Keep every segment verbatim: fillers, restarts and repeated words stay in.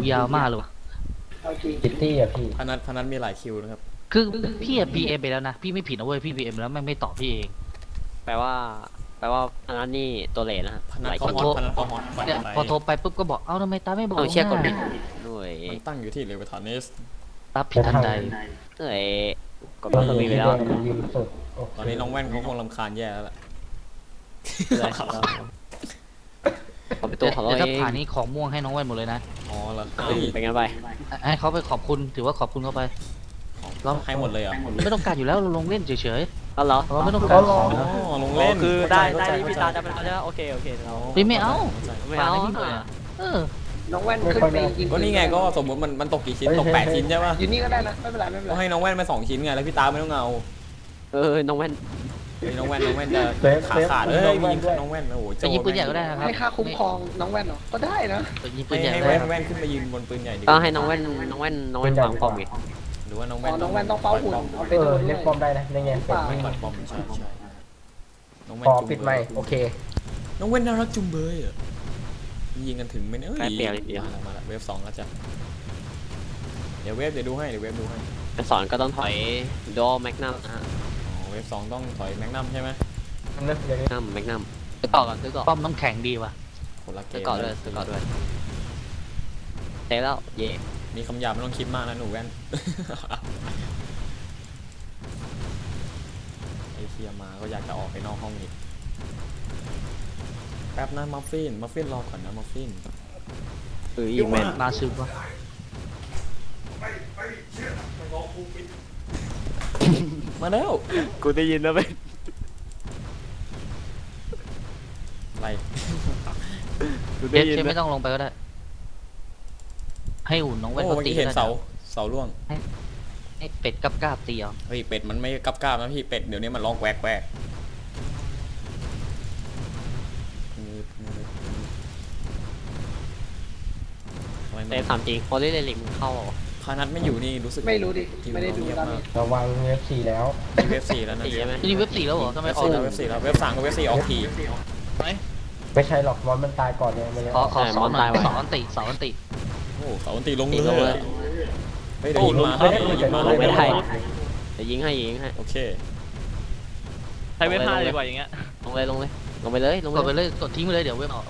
ยาวมากเลยวะซิตี้อะพี่พนัทพนัทมีหลายคิวนะครับคือพี่อะพีเอ็มไปแล้วนะพี่ไม่ผิดนะเว้ยพี่พีเอ็มแล้วแม่งไม่ตอบพี่เองแปลว่าแปลว่าอันนั้นนี่ตัวเลนนะพนัทหลายเขาฮอตพนัทเขาฮอตเนี่ยพอโทรไปปุ๊บก็บอกเอ้าทำไมตาไม่บอกต้องเช็คกดบิดด้วยมันตั้งอยู่ที่เลเวทานิสรับผิดทันใดเอ้ยกดบิดไปแล้วตอนนี้น้องแว่นเขาคงรำคาญแย่แล้วแหละขอไปตัวของเราเองถ้าผ่านนี้ของม่วงให้น้องแว่นหมดเลยนะอ๋อเหรอเป็นไงไปให้เขาไปขอบคุณถือว่าขอบคุณเขาไปเราให้หมดเลยอ่ะไม่ต้องการอยู่แล้วเราลงเล่นเฉยๆก็เหรอเราไม่ต้องการของลงเล่นคือได้ได้พี่ตาจะเป็นเขาจะโอเคโอเคเราไม่เอาไม่เอาเออน้องแว่นขึ้นไปยิงก็นี่ไงก็สมมติมันมันตกกี่ชิ้นตกแปดชิ้นใช่ป่ะอยู่นี่ก็ได้นะไม่เป็นไรไม่เป็นไรก็ให้น้องแว่นมาสองชิ้นไงแล้วพี่ตาไม่ต้องเอาเออน้องแว่นน้องแว่นน้องแว่นจะขาขาดเอ้ยยิงน้องแว่นโอ้โหจะยิงปืนใหญ่ก็ได้นะครับให้ค่าคุ้มครองน้องแว่นเหรอก็ได้นะยิงปืนใหญ่ให้แว่นแว่นขึ้นมายืนบนปืนใหญ่ดีก็ให้น้องแว่นน้องแว่นน้องแว่นวางป้อมอีกหรือว่าน้องแว่นน้องแว่นต้องเฝ้าหุ่นเออเล่นป้อมได้นะในเงี้ยปัดป้อมใช่ใช่น้องแว่นขอปิดไมค์โอเคน้องแว่นน่ารักจุงเบยอ่ะยิงกันถึงไหมเนี่ยเปลี่ยนเลยเดียวมาละเวฟสองแล้วจ้ะเดี๋ยวเวฟเดี๋ยวดูให้เดี๋ยวเวฟดูให้จะสอนก็ต้องถอยดอแมกนัมนะฮะอ๋อเวฟสองต้องถอยแมกนัมใช่ไหมแมกนัมแมกนัมซื้อต่อก่อนซื้อต่อป้อมน้ำแข็งดีว่ะคนละเกมซื้อต่อด้วยซื้อต่อด้วยเสร็จแล้วเย่มีคำหยาบไม่ต้องคิดมากนะหนูแว่นไอเคียมาก็อยากจะออกไปนอกห้องอีกแป๊บนะมัฟฟินมัฟฟินรอก่อนนะมัฟฟินเอออีเมนมาซึมวะมาแล้วกูได้ยินแล้วไหมอะไรกูได้ยินไม่ต้องลงไปก็ได้ให้อุ่นน้องแว่นเขาตีเห็นเสาเสาล่วงให้เป็ดกับกาบตีเอาเฮ้ยเป็ดมันไม่กับกาบนะพี่เป็ดเดี๋ยวนี้มันร้องแกวกแกวกแต่ถามจริงพอได้เลยลิงเข้าพานัทไม่อยู่นี่รู้สึกไม่รู้ดิไม่ได้ดูตอนนี้ระวังเว็บสี่แล้วเว็บสี่แล้วนะนี่เว็บสี่แล้วเหรอทำไมออกเว็บสี่แล้วเว็บสามกับเว็บสี่ออกทีไม่ใช่หรอกมอนมันตายก่อนเนี่ยมันขอขอสอนหน่อยสอนตีสอนตีโอ้สอนตีลงเลยเฮ้ยเดี๋ยวยิงมาเฮ้ยยิงมาไม่ได้จะยิงให้ยิงให้โอเคใช้เว็บห้าดีกว่าอย่างเงี้ยลงเลยลงเลยลงไปเลยลงไปเลยกดทิ้งไปเลยเดี๋ยวเว็บออก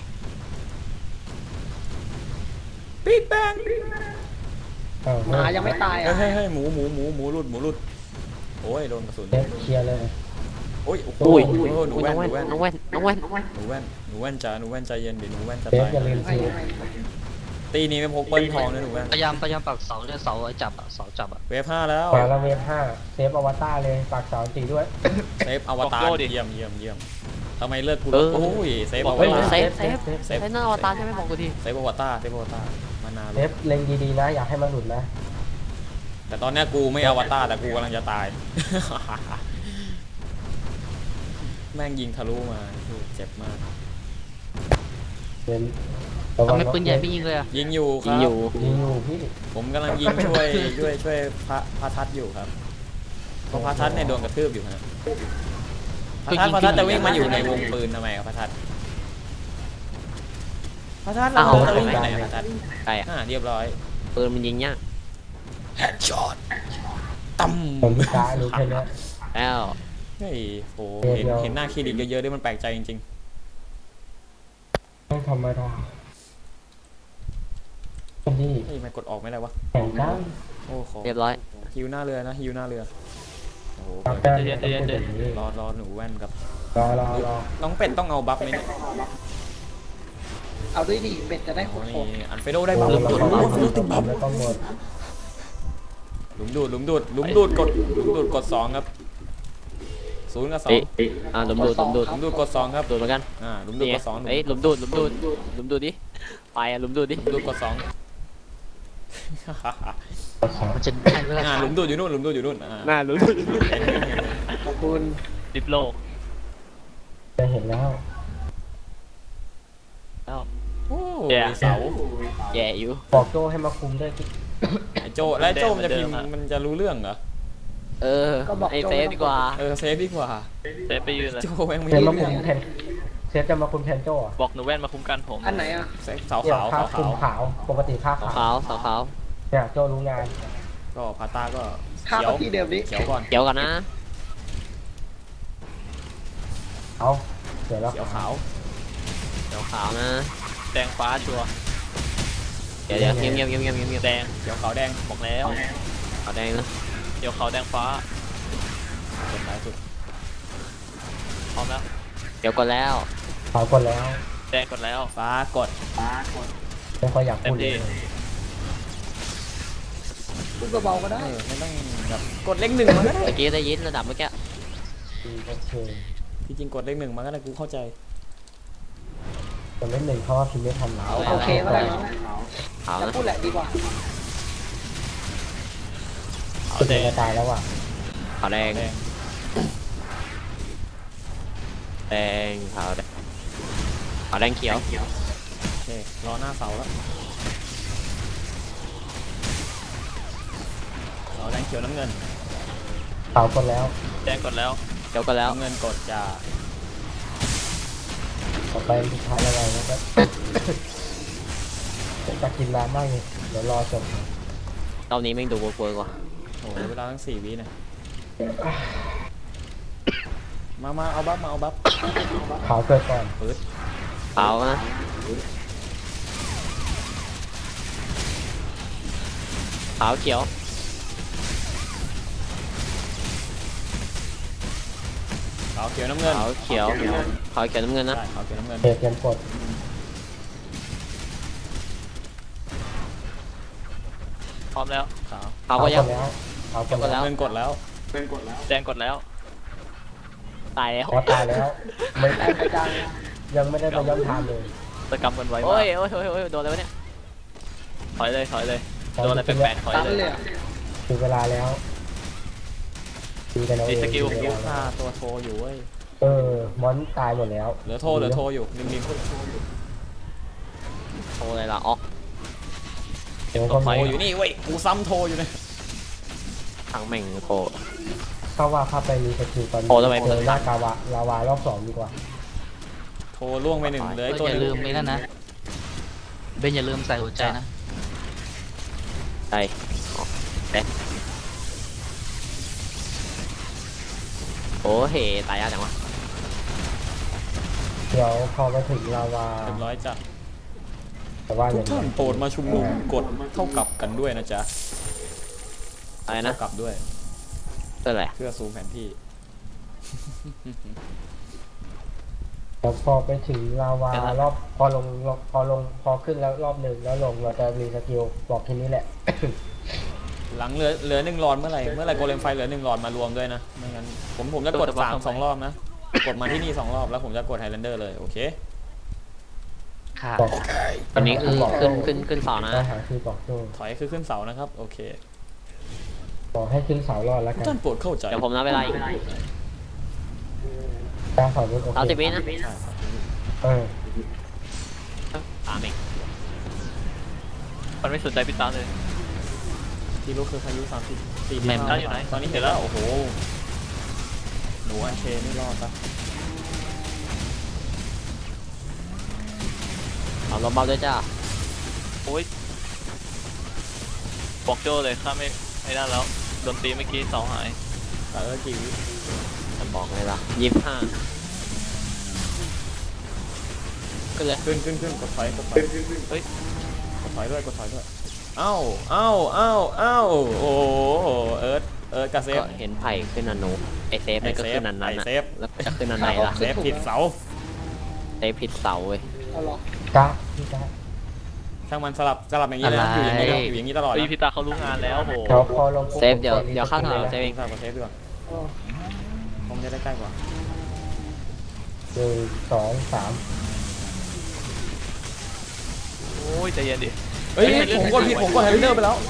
ปิ๊กแบงหมายังไม่ตายอ่ะเฮ้ยเฮ้ยหมูหมูหมูหมูหลุดหมูหลุดโอ้ยโดนกระสุนเคลียร์เลยโอ้ยโอ้ยหนูแว่นหนูแว่นน้องแว่นน้องแว่นหนูแว่นหนูแว่นจ้าหนูแว่นใจเย็นดิหนูแว่นจะตายตีนี้ไม่พกเปิ้ลทองนะหนูแว่นพยายามพยายามปักเสาเนี่ยเสาจับอ่ะเสาจับอ่ะเวฟห้าแล้วปาแล้วเวฟห้าเซฟอวตารเลยปากเสาตีด้วยเซฟอวตารเยี่ยมเยี่ยมเยี่ยมทำไมเลิกกูโอ้ยเซฟอวตารเซฟเซฟเซฟหน้าอวตารใช่ไหมบอกกูทีเซฟอวตารเซฟอวตารมานานเซฟเล็งดีๆนะอยากให้มันหลุดนะแต่ตอนนี้กูไม่อวตารแต่กูกำลังจะตายแม่งยิงทะลุมาเจ็บมากทำไมปืนใหญ่ไม่ยิงเลยอ่ะยิงอยู่ครับยิงอยู่ยิงอยู่พี่ผมกำลังยิงช่วยช่วยช่วยพระพระทัศอยู่ครับเพราะพระทัศเนี่ยโดนกระทืบอยู่ฮะพระทัศพระทัศจะวิ่งมาอยู่ในวงปืนทำไมครับพระทัศพระทัศเราจะวิ่งไปไหนพระทัศใช่อ่ะเรียบร้อยปืนมันยิงยากแฮดช็อตตั้มผมตายรู้แค่นี้แล้วเฮ้ยโหเห็นเห็นหน้าคลินิกเยอะๆด้วยมันแปลกใจจริงๆต้องทำไมทำนี่เฮ้ยมันกดออกไม่ได้วะแข่งกันโอ้โหเรียบร้อยฮิวหน้าเรือนะฮิวหน้าเรือโอ้โหรอรอหนูแว่นกับรอรอรอน้องเป็ดต้องเอาบัฟไหมเนี่ยเอาด้วยดิเป็ดจะได้โคตรอันเฟโดได้บัฟหลุมดูดหลุมดูดหลุมดูดหลุมดูดกดหลุมดูดกดสองครับศูนย์กับสองอ่าหลุมดูดหลุมดูดหลุมดูดกดสองครับดูดเหมือนกันอ่าหลุมดูดกดสองเอ้ยหลุมดูดหลุมดูดหลุมดูดดิไปอ่ะหลุมดูดดิดูดกดสองมันจะได้เวลาหลุมดูดอยู่นู่นหลุมดูดอยู่นู่นน่าหลุมดูดขอบคุณดิบโลจะเห็นแล้วแล้วโอ้เสาแย่อยู่บอกโจให้มาคุมด้วยไอโจแล้วโจมันจะพิมพ์มันจะรู้เรื่องเหรอเออไอเซฟดีกว่าเออเซฟดีกว่าเซฟไปยืนเลยโจแม่งไม่รู้เรื่องผเซฟจะมาคุมแทนโจ้อะบอกหนูแว่นมาคุ้มกันผมอันไหนอ่ะเสาเนี่ยขาวค่าเสาคุมขาวขาวปกติค่าขาวขาวขาวขาวเนี่ยโจ้รู้งานก็พาตาก็ข้าวเขียวที่เดิมนี้เขียวก่อนเกี่ยวกันนะเอาเดี๋ยวแล้วเขียวขาวเกี่ยวขาวนะแดงฟ้าชัวร์เดี๋ยวเดี๋ยวเงียบเงียบเงียบเงียบเงียบแดงเขียวขาวแดงบอกแล้วขาวแดงนะเดี๋ยวขาวแดงฟ้าเขียวขาวสุดพร้อมแล้วเดี๋ยวกดแล้วขาวกดแล้วแดงกดแล้วฟ้ากดไม่ค่อยอยากเต็พูมดเลที่ยพูดเบาๆก็เอได้อไม่ต้องแบบกดเลขหนึ่งมาก็ได้เมื่อกี้ได้ยินระดับเมื่อกี้อืมโอเคที่จริงกดเลขหนึ่งมาก็ได้กูเข้าใจคนเล่นหนึ่งเขาว่าพิมพ์ไม่ทันแล้วโอเคก็ได้เนาะขาวจะนะพูดแหละดีกว่าขาวสุดแดเลยงจะตายแล้วว่ะขาวแดงแดงแดงขาวแดงขาวแดงเขียวโอเครอหน้าเสาแล้วเสาแดงเขียวน้ำเงินขาวกดแล้วแดงกดแล้วเขียวกดแล้วน้ำเงินกดจะต่อไปสุดท้ายแล้วไงนะครับ จะกินร้านได้ไงเดี๋ยวรอจบรอบนี้แม่งดูเวิร์กเวิร์กว่ะโอ้โหเวลาตั้งสี่วินะมามาเอาบัฟมาเอาบัฟขาวเกิดก่อนปื๊ดขาวนะขาวเขียวขาวเขียวน้ำเงินขาวเขียวขาวเขียวน้ำเงินนะใช่ขาวเขียวน้ำเงินเตะเตรียมกดพร้อมแล้วขาวขาวก็กยังดแล้วขาวกดกดแล้แล้วน้ำเงินกดแล้วแดงกดแล้วตายแล้วขอตายแล้วไม่แต่กระจายยังไม่ได้ไปย้อนทางเลยตะกำกันไว้โอ้ยโอ้ยโอ้ยโอ้ยโดนอะไรวะเนี่ยถอยเลยถอยเลยโดนอะไรแปลกๆถอยตันเลยเลยอะถึงเวลาแล้วตีกันเอาเองตีสกิลถึงเวลาฆ่าแล้วตัวโทรอยู่เว้ยเออมอนตายหมดแล้วเหลือโทรเหลือโทรอยู่ริมริมโทรอะไรล่ะอ๋อเดี๋ยวตก็กไฟโทรมีอยู่นี่เว้ยกูซ้ำโทรอยู่เลยทางแม่งโทรเข้าว่าเข้าไปมีสกิลตอนโอ้ทำไมเจอลากาวะลาวารอบสองดีกว่าโทรล่วงไปหนึ่งเหลือไอ้ตัวอหย่านึลืงมไม่นั่นนะเบนอย่าลืมใส่หัวใจนะใช่อ๋อแดงโอ้เหตายยากจังวะเดี๋ยวพอไปถึงลาวาเรียบร้อยจ้ะแต่ว่าอทุกย่างท่านนี้โปรดมาชุมนุมกดเท่ากับกันด้วยนะจ๊ะอะไรนะเท่ากับด้วยเพื่ออะไรเพื่อซูมแผนที่เดี๋ยวพอไปถึงลาวารอบพอลงพอลงพอขึ้นแล้วรอบหนึ่งแล้วลงเราจะมีสกิลบอกแค่นี้แหละหลังเหลือเหลือหนึ่งหลอดเมื่อไหร่เมื่อไหร่โกเลมไฟเหลือหนึ่งหลอดมารวมด้วยนะไม่งั้นผมผมจะกดสามสองรอบนะกดมาที่นี่สองรอบแล้วผมจะกดไฮแลนเดอร์เลยโอเคค่ะบอกตอนนี้คือบอกขึ้นขึ้นขึ้นเสานะปัญหาคือบอกโจ้ถอยคือขึ้นเสานะครับโอเคบอกให้ขึ้นเสารอดแล้วทุกักนท่านโปรดเข้าใจเดี๋ยวผมนับเวลาอีกกลางเสารุ่นโอสามเคสิบวินะใช่ครับเออสามเองมันไม่สนใจพี่ตาเลยที่รู้คือพายุสามสิบสี่แม่มได้อยู่ไหนตอนนี้เห็นแล้วโอ้โหหนูอันเชนไม่รอดปะเอาลมเบาด้วยจ้าโอ้ยบอกโจ้เลยข้าไม่ไม่ได้แล้วโดนตีเมื่อกี้เสาหายแต่เออกี่วิจะบอกเลยล่ะยี่สิบห้าขึ้นเลยขึ้นขึ้นขึ้นกดถอยกดถอยเฮ้ยกดถอยด้วยกดถอยด้วยเอ้าเอ้าเอ้าเอ้าโอ้โหเอิร์ธเอิร์ธกับเซฟก็เห็นไผ่ขึ้นนันนูไอเซฟนี่ก็ไอ้เซฟขึ้นนันนั้นไอ้นะเซฟแล้วจะขึ้นนันไหนล่ะเซฟผิดเสาเซฟผิดเสาเว้ยเอาหรอกะพี่กะช่างมันสลับสลับอย่างนี้เลยนะอยู่อย่างนี้เลยอยู่อย่างนี้ตลอดเฮ้ยนะพี่ตาเขารู้งานแล้วโหเดี๋ยวพอลงปุ๊บเซฟเดี๋ยวผมกเดี๋ยวเข้าทางลเซฟเองสลับกับเซฟดีกว่าเออผมจะได้ใกล้กว่าหนึ่งสองสามโอ้ยใจเย็นดิเฮ้ยผมกดผิดผมกดไฮไลเดอร์ไปแล้ว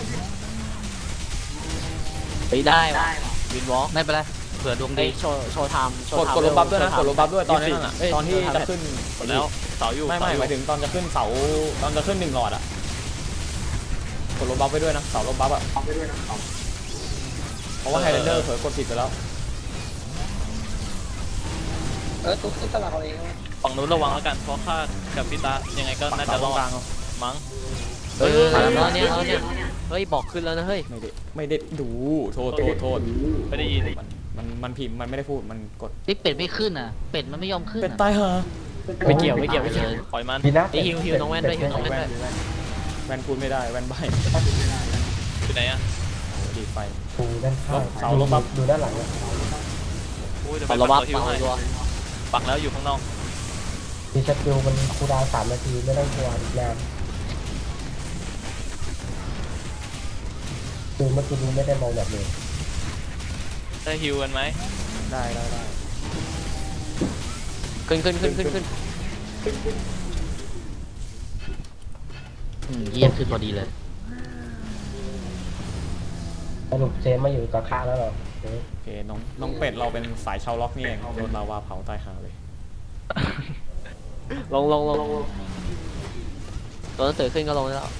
เฮ้ยได้ว่ะวินวอล์กไม่เป็นไรเผื่อดวงไอดีโชว์โชว์ไทม์โชกว์ดไทม์กดลบบัฟด้วยนะโชกดไทม์ลบบัฟด้วยตอนนี้นั่นน่ะตอนที่จะขึ้นหมดแล้วเสาอยู่ไม่ไม่เสหมายถึงตอนจะขึ้นเสาตอนจะขึ้นหนึ่งหลอดอ่ะกดลบบัฟไปด้วยนะเสาลบบัฟอ่ะเพราะว่าไฮไลเดอร์เผลอกดผิดไปแล้วเออตุ๊กตุ๊กตลาดเอาเองนะฝั่งนู้นระวังแล้วกันเพราะข้ากับพี่ตายังไงก็น่าจะรอดมั้งเฮ้ยมาแล้วเนี่ยแล้วเนี่ยเฮ้ยบอกขึ้นแล้วนะเฮ้ยไม่ได้ไม่ได้ดูโทษโทษโทษไม่ได้ยินมันมันมันพิมพ์มันไม่ได้พูดมันกดนี่เป็ดไม่ขึ้นอ่ะเป็ดมันไม่ยอมขึ้นเป็นอะตายเหรอไม่เกี่ยวไม่เกี่ยวไม่เกี่ยวปล่อยมันดีนะนี่ฮิวฮิวน้องแว่นด้วยฮิวน้องแว่นด้วยแวนพูดไม่ได้แวนใบอยู่ไหนอ่ะดีไฟดูด้านข้างเสาลบปั๊บดูด้านหลังนะอุ้ยเดี๋ยวปัไปดระปัวักบตัวฮิวปัดให้ตัวปักแล้วอยู่ข้างนอกมีสกิลมันคูลดาวน์สามนาทีไม่ต้องกลัวอีกนานคือเมื่อกี้นี้ไม่ได้มองแบบนี้ได้ฮิวกันไหมได้ได้ได้ขึ้นขึ้นขึ้นขึ้นขึ้นอืมเยี่ยมขึ้นพอดีเลยสรุปเซฟมาอยู่กับข้าแล้วเหรอเอ๊ะโอเคน้องน้องเป็ดเราเป็นสายชาวล็อกนี่เองโดนลาวาเผาตายหาเลยลงลงลงตัวหนังสือขึ้นก็ลงได้แล้ว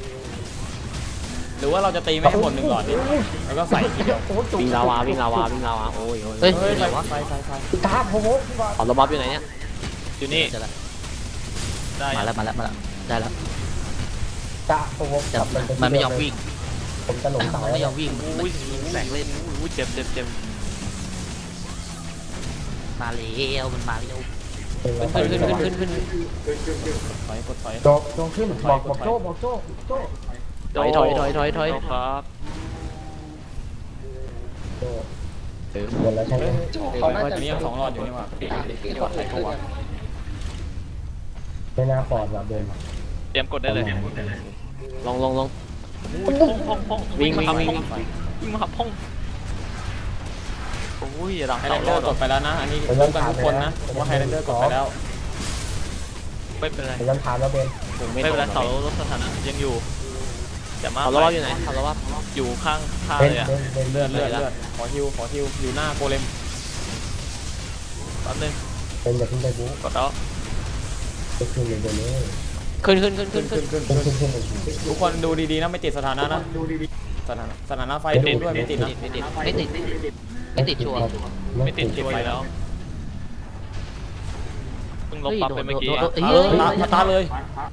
หรือว่าเราจะตีไม่ให้หมดหนึ่งหลอดดิแล้วก็ใส่ทีเดียววิ่งลาวาวิ่งลาวาวิ่งลาวาโอ้ยโอ้ยเฮ้ยเฮ้ยไหนวะไฟไฟไฟตาโพโวพี่บอลปัดระวับอยู่ไหนเนี่ยอยู่นี่เจอแล้วได้มาแล้วมาแล้วมาแล้วได้แล้วตาโพโวแต่กลับามันไม่ยอมวิ่งผมจะหลงเสามันแล้วไม่ยอมวิ่งอุ้ยแสงเล่นอุ้ยเจ็บเจ็บเจ็บมาเร็วมันมาเร็วขึ้นขึ้นขึ้นขึ้นขึ้นถอยกดถอยโดดโดดขึ้นบอกบอกโจ้บอกโจ้โจ้ถอยถอยถอยถอยถอยครับโจ้หมดแล้วใช่ไหมเขาน่าอัจะนนี้ยังสองหลอดอยู่นี่หว่าปลอดภัยกว่าไม่น่าปลอดว่ะเบนเตรียมกดได้เลยลงลงลงอุ้ยพงพงพงวิ่งวิ่งมาวิ่งพวิ่งมาพงโอ้ยหลังไฮเสาแลนเดรออดร์กดไปแล้วนะอันนี้รู้กันทุกคนนะผมว่าไฮแลนเดอร์กดไปแล้วไม่เป็นไรเดี๋ยวย้ำถามแล้วเบนผมไม่ไม่เป็นไรตเสาก ลดสถานะยังอยู่แต่มาปัดระวับอยู่ไหนปัดระวับอยู่ข้างข้างเบนเลยอ่ะเบนเบนเลือดเลือดเลือดขอฮิวขอฮิวอยู่หน้าโกเลมแป๊บนึงเบนอย่าเพิ่งไปบู๊กดแล้วไปคืนเดี๋ยวนี้ขึ้นขึ้นขึ้นขึ้ขึ้นนขึ้ขึ้นนขึ้นขึ้ขึ้นนขึ้นขึ้นขึ้นทุกคนดูดีๆนะไม่ติดสถานะนะสถานะสถานะไฟดูด้วยไม่ติดนะไม่ติดไม่ติดไม่ติดชัวร์ไม่ติดชัวร์อยู่แล้วเพิ่งลบปั๊บไปเมื่อกี้โดอะนโดนเออตามาตาเลย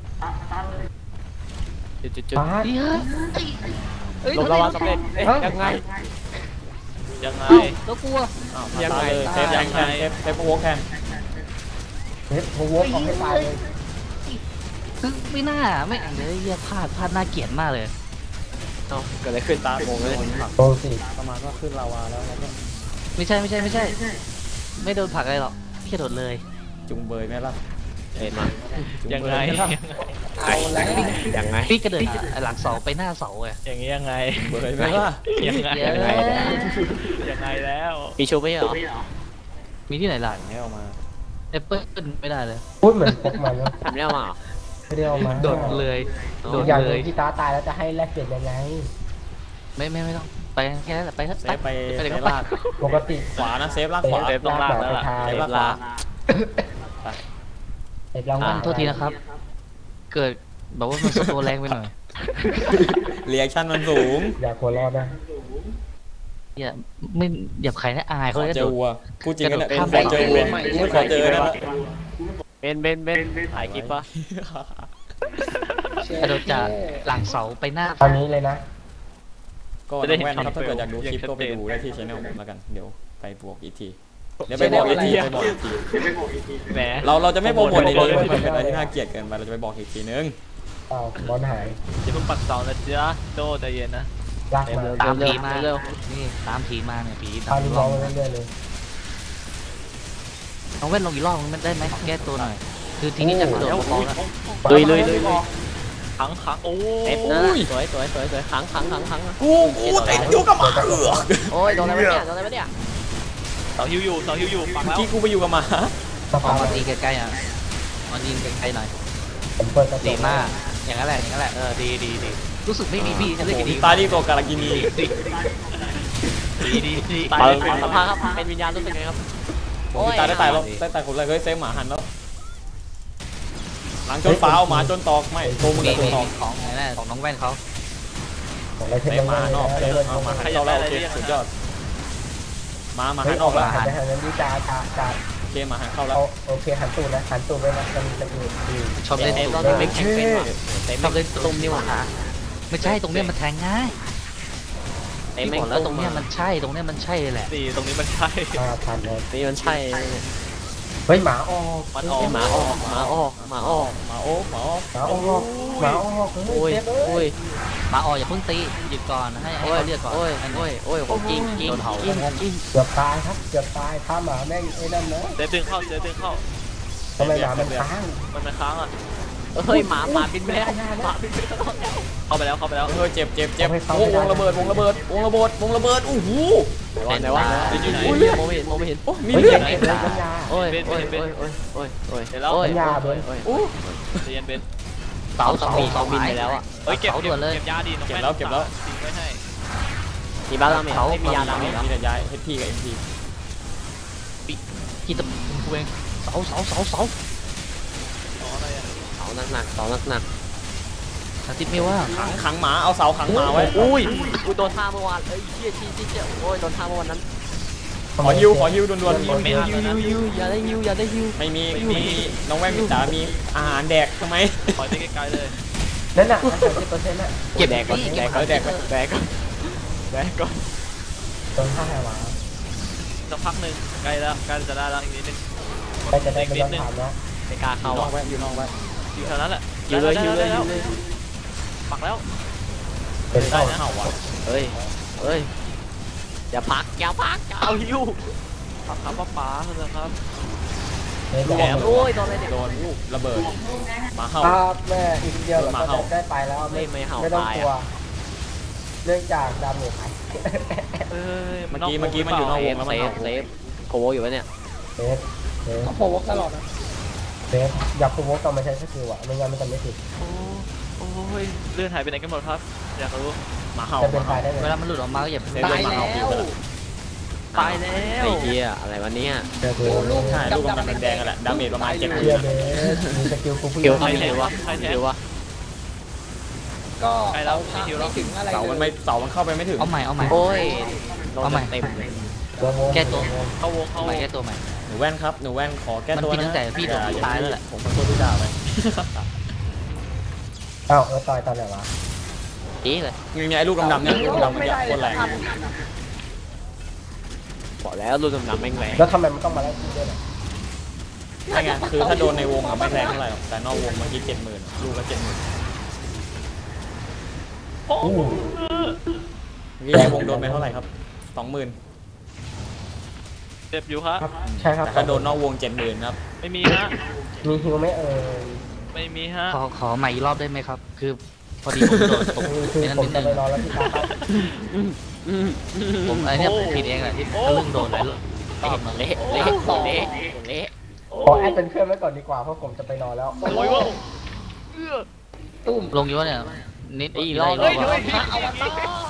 จุดจุดจุดปาดลงระวับสำเร็จเอ๊ะยังไงยังไงแล้วกลัวอ้าวมาตาเลยเซฟยังแคนเซฟเซฟโวกแคนเฮ้ยโพโวกเอาให้ตายเลยคือไม่น่าไม่เลยเหี้ยพลาดพลาดน่าเกลียดมากเลยเอ้าเกิดอะไรขึ้นตาโมงเลยโดนสิประมาณว่าขึ้นลาวาแล้วแล้วก็ไม่ใช่ไม่ใช่ไม่ใช่ ไม่โดนผลักอะไรหรอกแค่โดดเลยจุงเบยไหมล่ะเห็นมาจุยังเบไงหมล่ะเอาแล้วยังไงพี่กระเดินหลังเสาไปหน้าเสาไงอย่างนี้ยังไงเบยไหมล่ะยังไงเย้ยังไงยังไงแล้วมีชูไม่ใช่เหรอมีที่ไหนล่ะไม่เอามาแอปเปิ้ลไม่ได้เลยพูดเหมือนพกมันแล้วทำไม่ได้มาเหรอไม่ได้เอามาโดดเลยโดอีดกอย่างหเลนึ่ยงที่ตาตายแล้วจะให้แลกเปลี่ยนยังไงไม่ไม่ไม่ต้องไปแค่นั้นแหละไปเถอะเซฟไปไปเซเลยฟก็ไปลากปกติขวานะเซฟลากขวาเซฟต้องลากแล้วล่ะเซฟลากขวาเอ็ดรางวัอ่าลโทษทีนะครับ เกิดแบบว่ามันสโตแรงไปหน่อยเรีแอคชั่นมันสูงอย่าหัวเรอดนะอย่าไม่อย่าใครนะอายขเขาอเลยนะเจโดอดวัวพูดจริงกันเนี่ยกระโดดข้ามขอเจอวัวไปขอเจอนั่นแหละเบนเบนเบนถ่ายคลิปปะกระโดดจากหลังเสาไปหน้าตอนนี้เลยนะก็น้องแว่นนะครับถ้าเกิดอยากดูคลิปก็ไปดูได้ที่ช่องผมแล้วกันเดี๋ยวไปบวกอีกทีเดี๋ยวไปบอกอีกทีไปบอกอีกทีแหมเราเราจะไม่โปรโมทในนี้มันเป็นอะไรที่น่าเกลียดเกินไปเราจะไปบอกอีกทีนึงอ้าวบอลหายจะเพิ่งปักเสานะจ๊ะโตใจเย็นนะลากมาตามผีมาเร็วนี่ตามผีมาเนี่ยผีพาลูกน้องมาเรื่อยๆเลยน้องเว้นลงอีกรอบมันได้ไหมแก้ตัวหน่อย คือทีนี้จะกระโดดลงแล้วลุยลุยลุยลุยขังขังโอ้เอฟนะสวยสวยสวยสวยขังขังขังขังกูกูติดอยู่กับหมาเออโอ้ยโดนอะไรวะเนี่ยโดนอะไรวะเนี่ยเสาฮิวอยู่เสาฮิวอยู่ปักเมื่อแล้วกี้กูไปอยู่กับหมาสอภาอกพมาตีใกล้ๆอ่ะมายิงใกล้ๆหน่อยผมเปิดกระจดีกมาก อย่างนั้นแหละอย่างนั้นแหละเออดีดีดีรู้สึกไม่มีพี่ฉันเล่นโอ้กับโหดีตาดีตัวการากินีดีดีดีตายขอสัมภาษณ์ครับเป็นวิญญาณรู้สึกไงครับโอ้ยตายได้ตายแล้วได้ตายคนเลยเฮ้ยเซฟหมาหันแล้วหลังจนฟ้าเอาหมาจนตอกไม่โตมึงมีกับตัวมีตอกของไหนแน่ของน้องแว่นเขาของอะไรเซเทฟหมานอกเซฟเลยเอาหมาหันเข้าแล้วโอเคสุดยอดหมาหมาหันออกแล้วหันไปทางนั้นดีจ้าจ้าจ้าเคมาหันเข้าแล้วเอาโอเคหันตูดนะหันตูดไปนะจะมีสกิลดีชอบเล่นเต็มตูตดอนนี้ไม่แข็งเป็นว่ะเต็มชอบเล่นตุ้มนี่หว่าไม่ใช่ตรงเนี้ยมันแทงง่ายเต็มพี่แม่บงอกแล้วตุ้ตรมงมาเนี้ยมันใช่ตรงเนี้ยมันใช่เลยแหละสี่ตรงนี้มันใช่ห้าพันเลยนี่มันใช่เนี่ยเฮ้ยหมาออกมันออกหมาออกหมาออกหมาออกหมาโอ๊กหมาโอ๊กหมาออกหมาออกเฮ้โอ้ยยเจ็บเลโอ้ยยมาออกอย่าเพิ่งตีหยุดก่อนให้ให้โอ้ยเขาเรียกก่อนโอ้ยโอ้ยโอ้ยผมกิ้งกิ้งกิ้งกิ้งเกือบตายครับเกือบตายถ้าหมาแม่งไอ้นั่นนะเจ๊ดึงเข้าเจ๊ดึงเข้าทำไมหมามันค้างมันมันค้างอ่ะเฮ้ยหมาหมาบินไปแล้วหมาบินไปแล้วเข้าไปแล้วเข้าไปแล้วเฮ้ยเจ็บเจ็บเจ็บโอ้วงระเบิดวงระเบิดวงระเบิดวงระเบิดโอ้โหไหนวะไหนวะอยู่ไหนโอ้ยมองไม่เห็นมองไม่เห็นมีเฮ้ยเลือเจ็ดบเลยกัญญาโอ้ยโอ้ยโอ้ยโอ้ยโอ้ยโอ้ยเดี๋ยวแล้วโอ้ยปัญญาเบิ้ลโอ้ยโอ้เจเย็นเบนเสาเสามีเสาเขาบินไปแล้วอ่ะเฮ้ยเก็บเสาเก็ด่บวนเลยเก็บยาดีน้องเก็บแม่แล้วเก็บแล้วทิ้งไว้ให้มีบ้าราเมจไม่มียาราเมจแล้วมีแต่ย้ายเฮดพีกับเอ็มพีกี่ตะกูเองเสาเสาเสาเสาอ๋ออะไรอ่ะเสาหนักหนักเสาหนักหนักอาทิตย์ไม่ว่าขังขังหมาเอาเสาขังหมาไว้อุ้ยอุ้ยโดนท่าเมื่อวานเอ้ยเชี่ยชี้ชี้เชี่ยโอ้ยโดนท่าเมื่อวานนั้นขอฮิวขอฮิวด่วนๆฮิวฮิวฮิวฮิวอย่าได้ฮิวอย่าได้ฮิวไม่มีมีน้องแว่นมีจ๋ามีอาหารแดกทำไมปล่อยไปไกลๆเลยนั่นน่ะสามสิบเปอร์เซ็นต์น่ะเก็บแดกก่อนนี่แดเก็กบก่อนแดกก่อนแดกก่อนแดกก่อนโดนฆ่าหมาสักพักหนึ่งใกล้แล้วใกล้จะได้แล้วอีกนิดนึงไปจะได้ไม่ต้องถามนะไม่กล้าอเข้ายู่นออ่ะกไว้อยู่นอกไว้อยู่แถวนั้นแหละฮิวเลยได้ฮิวเลยได้ฮิแล้ววเลยปักแล้วเป็นได้เต้านะเห่าอ่ะเฮ้ยเฮ้ยอย่าพักอย่าพักอย่าเอาฮิวปักครับป้าป๋าเถอะครับไม่แหลได้มโอ้ยโดนอะไรเนี่ยโดนระเบิดหมาเห่าครับแม่อีกเดียวเราก็จะได้ไปแล้วไม่ไม่ต้องกลัวเนื่องจากดำหนูหายเอ้ยเมื่อกี้เมื่อกี้มันอยู่นอกเซวงฟแล้วเซมันฟเห่าเซฟโคโวอยู่ปะเนี่ยเซฟเซฟเขาโผล่ตลอดนะเซฟอย่าโปรโวกต้องมาใช้สกิลอ่ะไม่งั้นมันจะไม่ติดโอ้โอ้ยเลื่อนหายไปไหนกันหมดครับ อยากรู้หมาเห่าจะเป็นตายได้เลเวย ลามันหลุดออกมาก็อย่าเซฟโดนหมาเห่าบินไปแล้วตายแล้วไอ้เหี้ยอะไรวะเนี่ยเจอเบโอ้สลูกใช่ลูกกำลังแดงๆกันแหละดาเมจประมาณเจ็ดหมื่เชียนเบสมีสกิลกูผู้หเกี่ญิยวงทำยังไงวะเกี่ยววะก็ใกล้แล้วเอาคิวแล้วไม่ถึงอะไรเสามันเลไม่ยเสามันเข้าไปไม่ถึงเอาใหม่เอาใหม่โอ้ยโดนเอาใหม่เต็มเลยเดี๋ยวโมแก้ตัวเข้าวงเข้าเอาวใหม่งแก้ตัวใหม่หนูแว่นครับหนูแว่นขอแก้ตัวมันผิดตั้นะงแต่พี่โดนอตายแล้วแหละผมขอโทษพี่ดาวไปอ้าวเออต่อยตอนไหนวะจี้เลยมีไอ้ลูกดำๆเนี่ยลูกดำๆมันไม่จะได้โคตรแรงบอกแล้วรุ่นดำๆแม่งแรงแล้วทำไมมันต้องมาไล่ที่ด้วยล่ะใช่ไงคือถ้าโดนในวงอะไม่แรงเท่าไหร่หรอกแต่นอกวงเมื่อกี้เจ็ดหมื่นลูกละเจ็ดหมื่นโอ้โหนี่ในวงโดนไปเท่าไหร่ครับสองหมื่นเจ็บอยู่ครับครับใช่ครับแต่ถ้าโดนนอกวงเจ็ดหมื่นครับไม่มีฮะมีฮิวไหมเอ่ยไม่มีฮะขอขอใหม่อีกรอบได้ไหมครับ คือพอดีผมโดนผมคือคือไอ้นั่นผมนิดจะนึงไปรอแล้วพี่ตาครับผมไอ้เนี่ยผมผิดเองแหละที่ทะลึ่งโดนหลายรอบเละเละเละเละขอแอดเป็นเพื่อนไว้ก่อนดีกว่าเพราะผมจะไปนอนแล้วโอ้ยว้าวตุ้มลงอยู่วะเนี่ยนิดอีกรอบอีกเฮ้ยรอบพระอวตาร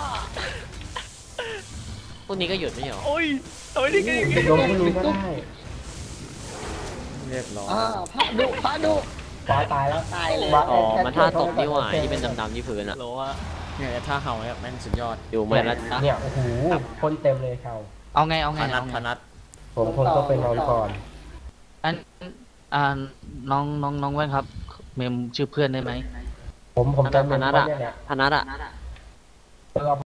พวกนี้ก็หยุดไม่ใช่หรอโอ้ยทำไมถึงอย่างงี้ลงผู้รู้ก็ได้เรียบร้อยอ่าพระดุพระดุฟ้าตายแล้วตายเลยฟ้าอ๋อแค่มันท่าตกแค่นี่หว่าที่เป็นดำๆที่พื้นอะโหลฮะเนี่ยท่าเห่าเนี่ยแม่งสุดยอดอยู่ไม่ละเนี่ยโอ้โหคนเต็มเลยเขาเอาไงเอาไงพนัทเอาไงพนัทผมคงต้องไปนอนก่อนอันอ่าน้องน้องน้องแว่นครับ เมมชื่อเพื่อนได้ไหมผมผมจะพเป็นนัทคนอะเนี่ยแหละพนัทอะเรา